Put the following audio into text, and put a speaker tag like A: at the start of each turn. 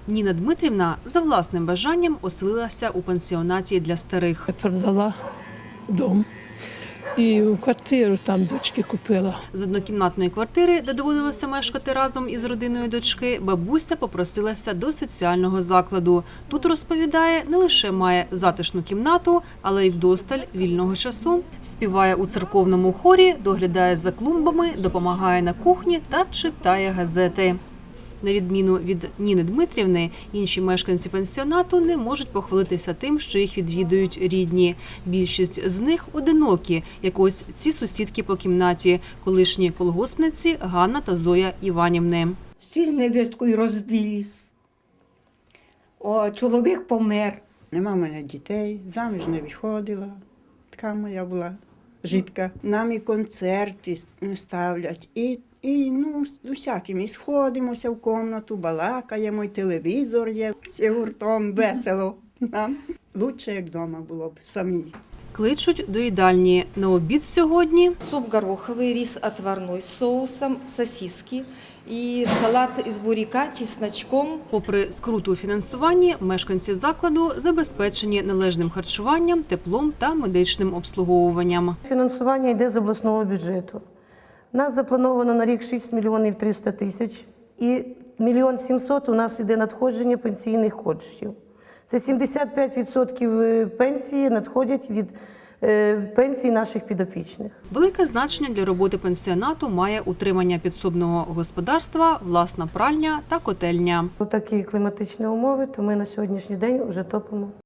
A: Ніна Дмитрівна за власним бажанням оселилася у пансіонаті для старих.
B: Я продала дом і квартиру там дочки купила.
A: З однокімнатної квартири, де доводилося мешкати разом із родиною дочки, бабуся попросилася до соціального закладу. Тут, розповідає, не лише має затишну кімнату, але й вдосталь вільного часу. Співає у церковному хорі, доглядає за клумбами, допомагає на кухні та читає газети. На відміну від Ніни Дмитрівни, інші мешканці пансіонату не можуть похвалитися тим, що їх відвідують рідні. Більшість з них одинокі, як ось ці сусідки по кімнаті, колишні колгоспниці Ганна та Зоя Іванівни.
C: Всі з невісткою розвелись. Чоловік помер.
D: Нема в мене дітей, заміж не виходила. Така моя була житка. Нам і концерти ставлять, і з усяким. І сходимося в кімнату, балакаємо, і телевізор є. Всі гуртом весело. Нам лучше, як вдома було б самі.
A: Кличуть до їдальні. На обід сьогодні
E: Суп гороховый, рис отварной с соусом, сосиски и салат из буряка, чесночком.
A: попри скруту у фінансуванні, мешканці закладу забезпечені належним харчуванням, теплом та медичним обслуговуванням.
F: Фінансування йде з обласного бюджету. У нас заплановано на рік 6 мільйонів 300 тисяч і 1 мільйон 700 у нас йде надходження пенсійних коштів. Це 75% пенсії надходять від пенсій наших підопічних.
A: Велике значення для роботи пансіонату має утримання підсобного господарства, власна пральня та котельня.
F: У такі кліматичні умови, то ми на сьогоднішній день вже топимо.